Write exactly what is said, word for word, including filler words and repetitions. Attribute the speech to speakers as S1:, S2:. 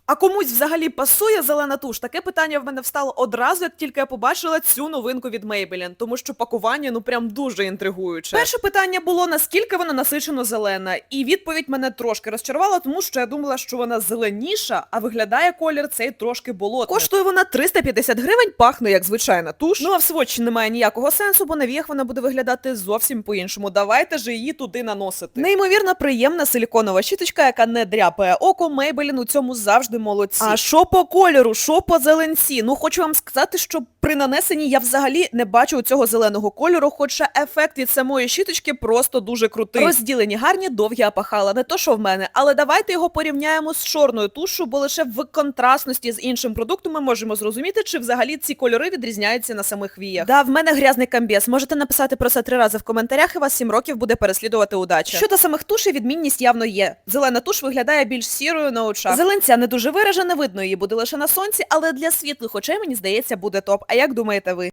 S1: А комусь взагалі пасує зелена туш? Таке питання в мене встало одразу, як тільки я побачила цю новинку від Maybelline, тому що пакування, ну прям дуже інтригуюче. Перше питання було, наскільки вона насичено зелена, і відповідь мене трошки розчарувала, тому що я думала, що вона зеленіша, а виглядає колір цей трошки болотний. Коштує вона триста п'ятдесят гривень, пахне як звичайна туш. Ну а в сводчі немає ніякого сенсу, бо на віях вона буде виглядати зовсім по-іншому. Давайте ж її туди наносити. Неймовірно приємна силіконова щіточка, яка не дряпає око. Maybelline у цьому завжди молодці. А що по кольору, що по зеленці? Ну, хочу вам сказати, що при нанесенні я взагалі не бачу цього зеленого кольору, хоча ефект від самої щіточки просто дуже крутий. Розділені гарні, довгі апахала, не то що в мене, але давайте його порівняємо з чорною тушу, бо лише в контрастності з іншим продуктом ми можемо зрозуміти, чи взагалі ці кольори відрізняються на самих віях. Да, в мене грязний камбез. Можете написати про це три рази в коментарях, і вас сім років буде переслідувати удача. Щодо самих тушей, відмінність явно є. Зелена туш виглядає більш сірою на очах. Зеленця не дуже виражена, видно її буде лише на сонці, але для світлих очей, мені здається, буде топ. А як думаєте ви?